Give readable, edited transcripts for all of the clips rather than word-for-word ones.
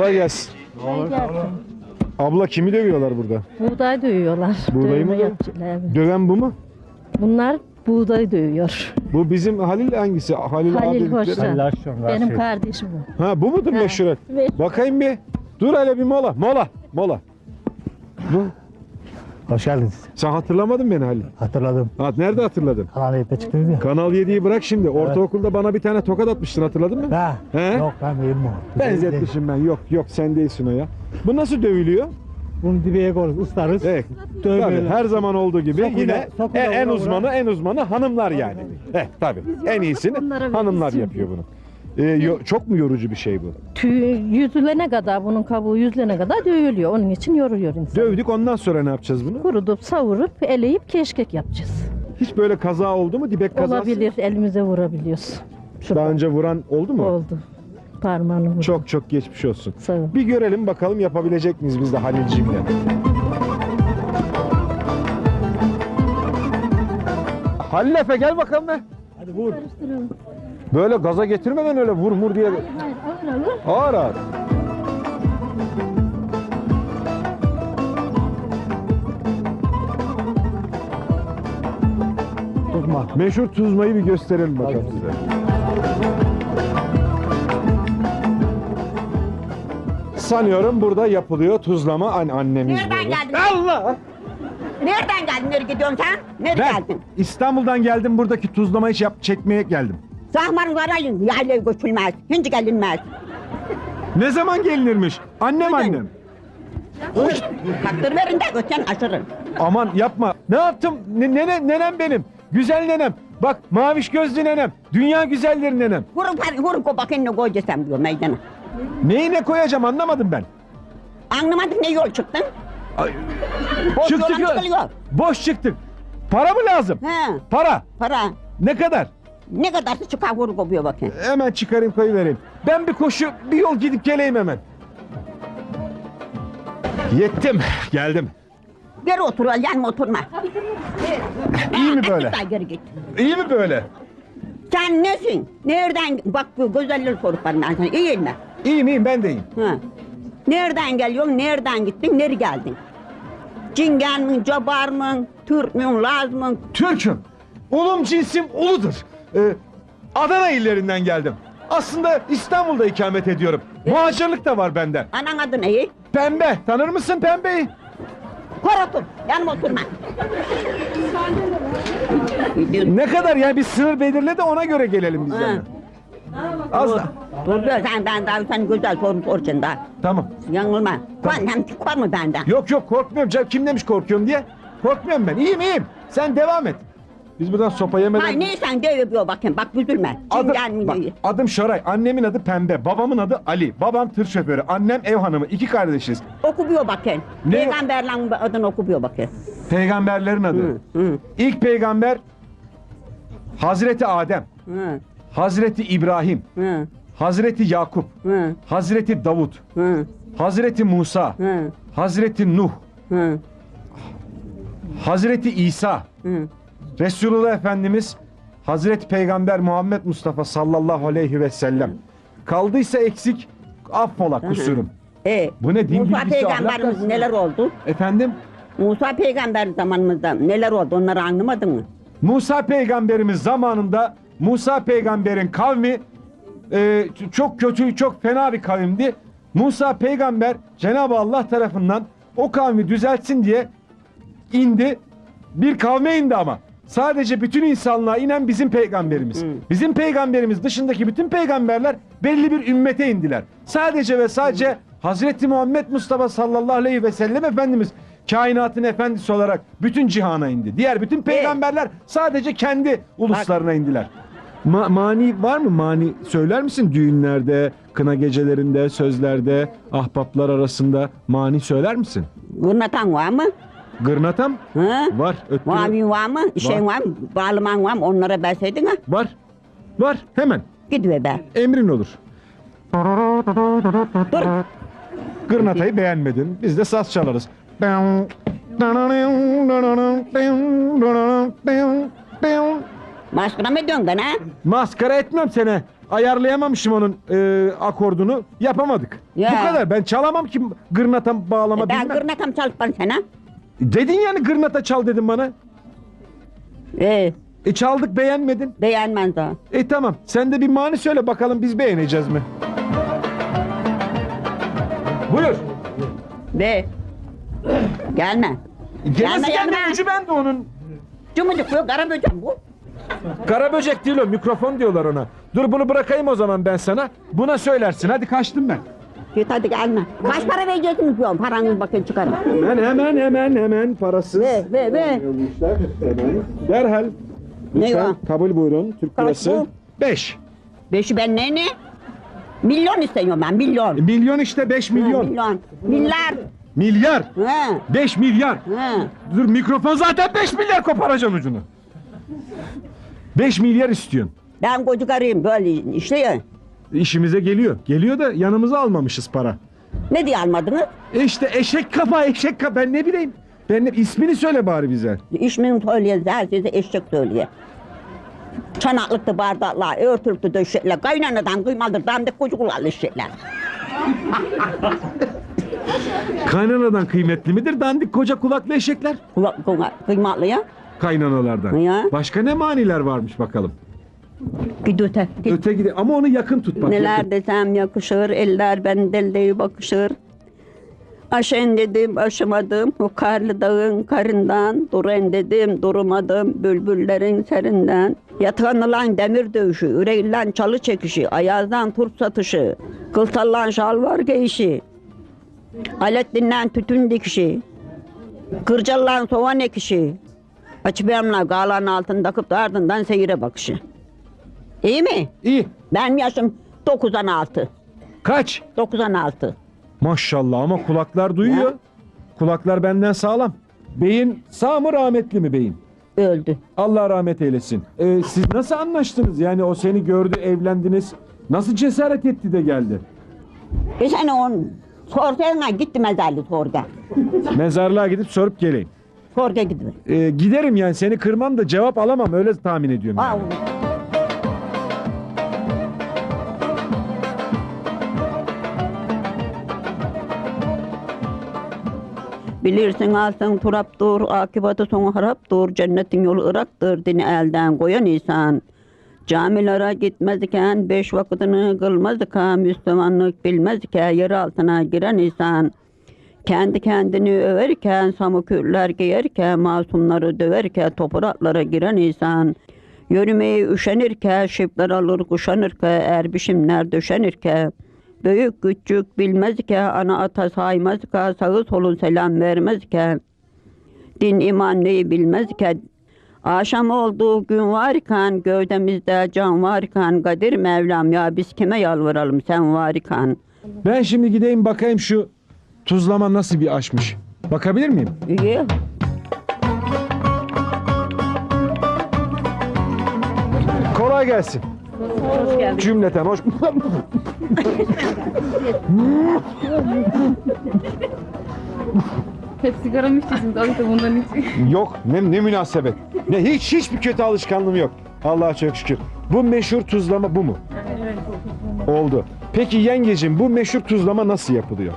Kolay gelsin. Abla kimi dövüyorlar burada? Buğday dövüyorlar. Buğdayı mı Dövme dövüyor? yapıyorlar, evet. Döven bu mu? Bunlar buğday dövüyor. Bu bizim Halil hangisi? Halil Halil abi. Hoşcan. Hoşcan, Benim şey. kardeşim bu. Ha bu mudur Ha, meşhuret? evet. Bakayım bir. Dur hele bir mola. Mola. Bu. Hoş geldiniz. Sen hatırlamadın beni Halil. Hatırladım. Ha, nerede hatırladın? Kanal 7'de çıktınız ya. Kanal 7'yi bırak şimdi. Ortaokulda bana bir tane tokat atmıştın, hatırladın mı? Ha. He? Yok ben değilim o. Benzetmişim ben. Yok sen değilsin o ya. Bu nasıl dövülüyor? Bunu dibeye koyarız, ıslarız. Evet. Dövmeyle. Tabii her zaman olduğu gibi Sokuyla- yine sokuyla en vura uzmanı hanımlar yani. Tabii. En iyisini onlara veririz hanımlar şimdi. yapıyor bunu. Çok mu yorucu bir şey bu? Yüzülene kadar, bunun kabuğu yüzülene kadar dövülüyor. Onun için yoruyor insan. Dövdük, ondan sonra ne yapacağız bunu? Kurutup, savurup, eleyip keşkek yapacağız. Hiç böyle kaza oldu mu? Dibek kazası? Olabilir, elimize vurabiliyoruz. Daha önce vuran oldu mu? Oldu. Parmağını vurdu. Çok geçmiş olsun. Sağ ol. Bir görelim bakalım yapabilecek miyiz biz de Halil'cimle. Halil Efe gel bakalım be. Hadi vur. Böyle gaza getirme ben öyle vur diye. Hayır, ağır. Ağır. Tutma. Meşhur tuzmayı bir gösterelim bakalım size. Sanıyorum burada yapılıyor tuzlama annemiz Nereden burada. geldin? Allah! Nereden geldin? Nereye gidiyorsun sen? Nereye Ben geldin? İstanbul'dan geldim, buradaki tuzlamayı çekmeye geldim. Zahmanlara yaylaya göçülmez. Hiç gelinmez. Ne zaman gelinirmiş? Annem. Kaktır verin de götüren aşırın. Aman yapma. Ne yaptım? Nenem benim. Güzel nenem. Bak maviş gözlü nenem. Dünya güzelleri nenem. Vurun ko bakayım ne koyacaksın diyor meydana. Neyine koyacağım anlamadım ben. Anlamadık ne yol çıktın? Boş Çıktık yola ya. çıkılıyor. Boş çıktık. Para mı lazım? He, Para. para. Ne kadar? Ne kadarsa çıkar vurun kopuyor bakayım. Hemen çıkarayım koyuvereyim. Ben bir koşu bir yol gidip geleyim hemen. Yettim. Geldim. Geri otur, yanma oturma. İyi mi böyle? Daha geri git. İyi mi böyle? Sen nesin? Nereden? Bak bu güzelleri sorup bana ben sana. İyiyim mi? İyiyim ben de iyiyim. Ha. Nereden geliyorsun? Nereden gittin? Nereye geldin? Cingen mi? Cabar mı? Türk mü? Laz mı? Türk'üm. Ulum cinsim uludur. Adana illerinden geldim. Aslında İstanbul'da ikamet ediyorum. Muhacirlik de var bende. Anan adı ne? Pembe. Tanır mısın Pembe'yi? Kor otur. Yanıma oturma. Ne kadar yani bir sınır belirle de ona göre gelelim biz Ha. yani. Az da. Dur sen daha sen güzel soru soracaksın daha. Tamam. Yanılma. Hem kor mu benden? Yok korkmuyorum canım. Kim demiş korkuyorum diye? Korkmuyorum ben. İyiyim. Sen devam et. Biz buradan sopa yemeden... Hayır neysen de yapıyor bakayım. Bak üzülme. Cingen mi? Bak, adım Şoray. Annemin adı Pembe. Babamın adı Ali. Babam tır şoförü. Annem ev hanımı. 2 kardeşiz. Okuyor bakayım. Ne? Peygamberlerin adını okuyor bakayım. Peygamberlerin adı. Hı. İlk peygamber Hazreti Adem. Hı. Hazreti İbrahim. Hı. Hazreti Yakup. Hı. Hazreti Davut. Hı. Hazreti Musa. Hı. Hazreti Nuh. Hı. Hazreti İsa. Hı. Resulullah Efendimiz Hazreti Peygamber Muhammed Mustafa sallallahu aleyhi ve sellem. Kaldıysa eksik affola kusurum. Bu ne, din Musa bilgisi, ahlak peygamberimiz dersi? neler oldu? Efendim? Musa peygamber zamanımızda neler oldu onları anlamadın mı? Musa peygamberimiz zamanında Musa peygamberin kavmi çok kötü, çok fena bir kavimdi. Musa peygamber Cenab-ı Allah tarafından o kavmi düzeltsin diye indi. Bir kavme indi ama. Sadece bütün insanlığa inen bizim peygamberimiz. Bizim peygamberimiz dışındaki bütün peygamberler belli bir ümmete indiler. Sadece ve sadece Hazreti Muhammed Mustafa sallallahu aleyhi ve sellem Efendimiz kainatın efendisi olarak bütün cihana indi. Diğer bütün peygamberler sadece kendi uluslarına indiler. Mani var mı? Mani söyler misin düğünlerde, kına gecelerinde, sözlerde, ahbaplar arasında mani söyler misin? Gırnatan var mı? Gırnatam Ha? var. Öttürü. Mavin var mı? Şey var mı? Bağlaman var mı? Onlara verseydin ha? Var. Var. Hemen. Gidiver be. Emrin olur. Dur. Gırnatayı beğenmedin. Biz de saz çalarız. Maskara mı ediyorsun bana? Maskara etmem seni. ayarlayamamışım onun akordunu. Yapamadık. Ya. Bu kadar. Ben çalamam ki gırnata bağlama Ben bilmem. gırnatam çalıp bana sana. Dedin yani gırnata çal dedin bana. Çaldık beğenmedin. Beğenmez daha. Tamam. Sen de bir mani söyle bakalım biz beğeneceğiz mi? Buyur. Ve gelme. Gelmesi gelme. gelme ucu bende onun. Cumacık bu kara böcek bu. Kara böcek değil o, mikrofon diyorlar ona. Dur bunu bırakayım o zaman ben sana. Buna söylersin. Hadi kaçtım ben. Git hadi gelme. Kaç para vereceksiniz diyorum. Paranızı bakın çıkarın. Hemen parasız. Ve. Derhal. Ne Lütfen o? kabul buyurun. Türk Kaç lirası. bu? 5. Beşi ben ne? Milyon istiyorum ben milyon. Milyon işte 5 milyon. Milyon. Milyar. Milyar. He. 5 milyar. He. Dur mikrofon zaten 5 milyar koparacaksın ucunu. 5 milyar istiyorsun. Ben çocuk arayayım böyle işte ya. İşimize geliyor. Geliyor da yanımıza almamışız para. Ne diye almadınız? İşte eşek kafa ben ne bileyim. İsmini söyle bari bize. İşmin söyleye, herkese eşek söyleye. Çanaklıkta bardaklar, örtülüktü döşekler, kaynanadan kıymalıdır, dandik kucuklarlı şeyler. Kaynanadan kıymetli midir dandik koca kulaklı eşekler? Kıymatlı ya. Kaynanalardan. Ya. Başka ne maniler varmış bakalım. Gid öte. Gid. Öte gide ama onu yakın tut bak. Neler yakın. desem yakışır, eller ben delde bakışır. Aşen dedim, aşamadım, o karlı dağın karından. Duren dedim, durmadım, bülbüllerin serinden. Yatağınılan demir dövüşü, yüreğinden çalı çekişi, ayazdan turp satışı, kılsallan şalvar giyişi, alettinden tütün dikişi, kırcallan soğan ekişi, açıbeyamla galanın altını takıp da ardından seyire bakışı. İyi mi? İyi. Benim yaşım 96. Kaç? 96. Maşallah ama kulaklar duyuyor. Ya. Kulaklar benden sağlam. Beyin sağ mı rahmetli mi beyin? Öldü. Allah rahmet eylesin. Siz nasıl anlaştınız? Yani o seni gördü, evlendiniz. Nasıl cesaret etti de geldi? Sen on sorgaya gitti mezarlı sorga. Mezarlığa gidip sorup geleyim. Sorga gidiyor. Giderim yani seni kırmam da cevap alamam öyle tahmin ediyorum. Yani. Bilirsin altın turaptır, akıbatı sonu haraptır, cennetin yolu ıraktır, dini elden koyan insan. Camilere gitmez iken, 5 vakitini kılmaz iken, Müslümanlık bilmez iken, yer altına giren insan. Kendi kendini överken, samukürler giyerken, masumları döverken, topraklara giren insan. Yürümeyi üşenirken, şipler alır kuşanırken, erbişimler döşenirken. Büyük küçük bilmezken, ana ata saymazken, sağı solun selam vermezken, din iman neyi bilmezken, akşam olduğu gün varken, gövdemizde can varken, Kadir Mevlam ya biz kime yalvaralım sen varken. Ben şimdi gideyim bakayım şu tuzlama nasıl bir aşmış. Bakabilir miyim? İyi. Kolay gelsin. Hoş geldin. Cümleten hoş. Hep sigara mı içiyorsunuz? Abi de bundan hiç. Yok ne münasebet. Ne hiçbir kötü alışkanlığım yok. Allah'a çok şükür. Bu meşhur tuzlama bu mu? Oldu. Peki yengecim bu meşhur tuzlama nasıl yapılıyor?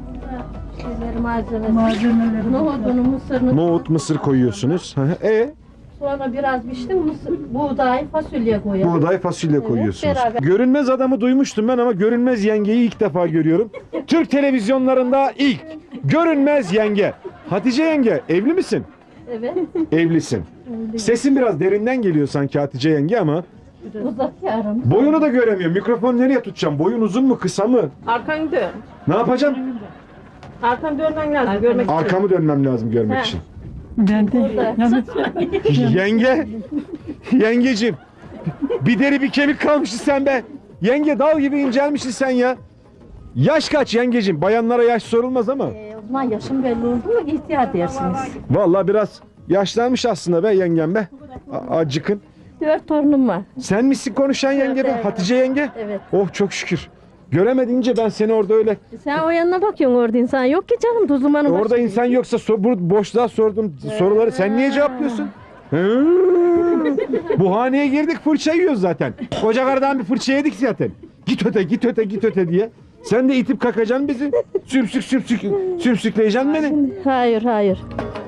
Malzemeleri. Nohudunu, mısırını. Nohut, mısır koyuyorsunuz. Sonra biraz pişti buğday, fasulye koyalım. Buğday, fasulye koyuyorsunuz. beraber. Görünmez adamı duymuştum ben ama görünmez yengeyi ilk defa görüyorum. Türk televizyonlarında ilk. Görünmez yenge. Hatice yenge evli misin? Evet. Evlisin. Sesin biraz derinden geliyor sanki Hatice yenge ama Uzak yarım. boyunu da göremiyorum. Mikrofon nereye tutacağım? Boyun uzun mu kısa mı? Arkanı dön. Ne yapacağım? Arkanı dönmen lazım görmek için. Arkamı dönmem lazım görmek He. için. Burada. Yenge. Yengecim. Bir deri bir kemik kalmışsın sen be. Yenge dal gibi incelmişsin sen ya. Yaş kaç yengecim? Bayanlara yaş sorulmaz ama. O zaman yaşım belli oldu mu ihtiyar dersiniz. Vallahi biraz yaşlanmış aslında be yengem be. Acıkın. 4 torunum var. Sen misin konuşan yenge be? Evet. Hatice yenge? Evet. Oh çok şükür. Göremedince ben seni orada öyle. Sen o yanına bakıyorsun orada insan yok ki canım Tuzluman'ın Orada insan yoksa bu boşluğa sorduğum soruları sen niye cevaplıyorsun? Hı. Bu haneye girdik fırça yiyoruz zaten. Koca karıdan bir fırça yedik zaten. Git öte git öte git öte diye. Sen de itip kakacaksın bizi. Sümsükleyeceksin beni. Hayır hayır.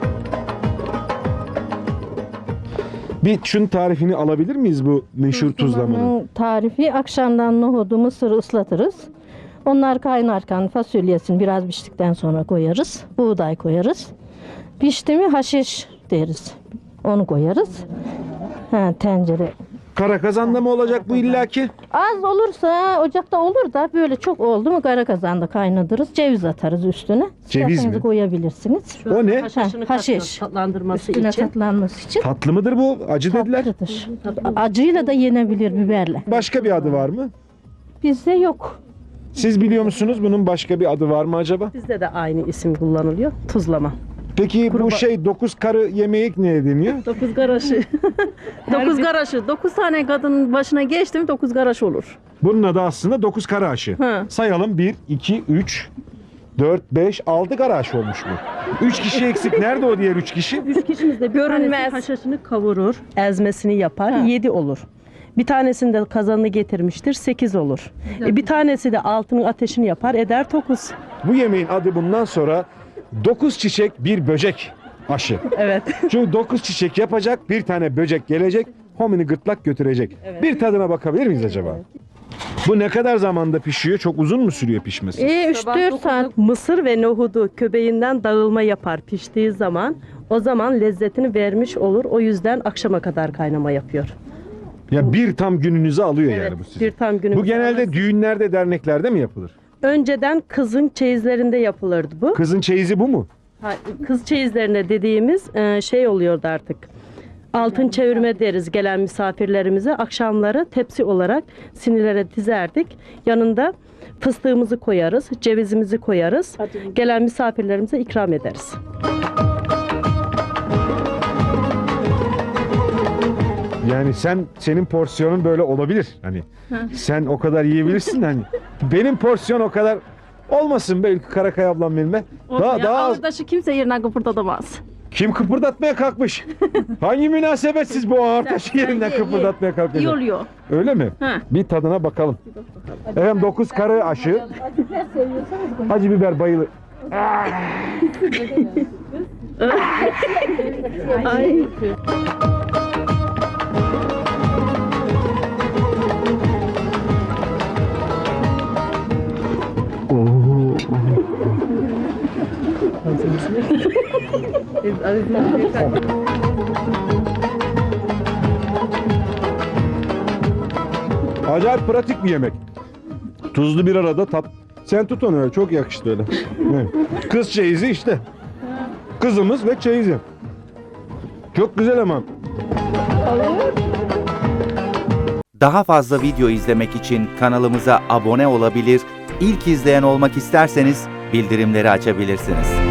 Bir şunun tarifini alabilir miyiz bu meşhur tuzlamanın? Bunun tarifi akşamdan nohudu, mısırı ıslatırız. Onlar kaynarken fasulyesini biraz piştikten sonra koyarız. Buğday koyarız. Pişti mi haşiş deriz. Onu koyarız. Tencere. Kara kazanda mı olacak bu illaki? Az olursa ocakta olur da böyle çok oldu mu kara kazanda kaynatırız. Ceviz atarız üstüne. Ceviz İsterseniz mi? koyabilirsiniz. O ne? Haşiş. Tatlandırması Üstüne için. tatlanması için. Tatlı mıdır bu? Acı dediler. Tatlıdır. Acıyla da yenebilir biberle. Başka bir adı var mı? Bizde yok. Siz biliyor musunuz bunun başka bir adı var mı acaba? Bizde de aynı isim kullanılıyor. Tuzlama. Peki bu 9 karı yemeği ne deniyor? 9 garaşı. 9 garaşı. 9 tane kadının başına geçti mi 9 garaş olur. Bunun adı aslında 9 karı aşı. Hı. Sayalım 1, 2, 3, 4, 5, 6 karı aşı olmuş bu. 3 kişi eksik. Nerede o diğer 3 kişi? 3 kişimiz de görünmez. Haşhaşını kavurur, ezmesini yapar, 7 olur. Bir tanesinde kazanını getirmiştir, 8 olur. Bir tanesi de altının ateşini yapar, eder 9. Bu yemeğin adı bundan sonra 9 çiçek bir böcek aşı. Evet. Çünkü 9 çiçek yapacak, bir tane böcek gelecek, homini gırtlak götürecek. Bir tadına bakabilir miyiz acaba? Bu ne kadar zamanda pişiyor? Çok uzun mu sürüyor pişmesi? 3-4 saat. Mısır ve nohudu köbeğinden dağılma yapar piştiği zaman. O zaman lezzetini vermiş olur. O yüzden akşama kadar kaynama yapıyor. Ya bir tam gününüzü alıyor yani bu sizin. Bir tam günümüz. Bu genelde düğünlerde, derneklerde mi yapılır? Önceden kızın çeyizlerinde yapılırdı bu. Kızın çeyizi bu mu? Kız çeyizlerine dediğimiz şey oluyordu artık. Altın çevirme deriz gelen misafirlerimize. Akşamları tepsi olarak sinirlere dizerdik. Yanında fıstığımızı koyarız, cevizimizi koyarız. Gelen misafirlerimize ikram ederiz. Yani senin porsiyonun böyle olabilir. Hani sen o kadar yiyebilirsin hani. Benim porsiyon o kadar olmasın belki Karakay ablam benimle. Daha az. Ağırdaşı kimse yerinden kıpırdatamaz. Kim kıpırdatmaya kalkmış? Hangi münasebetsiz bu ağır taşı yerinden kıpırdatmaya kalkacak? İyi oluyor. Öyle mi? Ha. Bir tadına bakalım. Efendim 9 karı aşı. Acı biber bayılır. Ay. Acayip pratik bir yemek. Tuzlu bir arada tat. Sen tut onu öyle. Çok yakıştı öyle. Evet. Kız çeyizi işte. Kızımız ve çeyizi. Çok güzel ama. Daha fazla video izlemek için kanalımıza abone olabilir, ilk izleyen olmak isterseniz bildirimleri açabilirsiniz.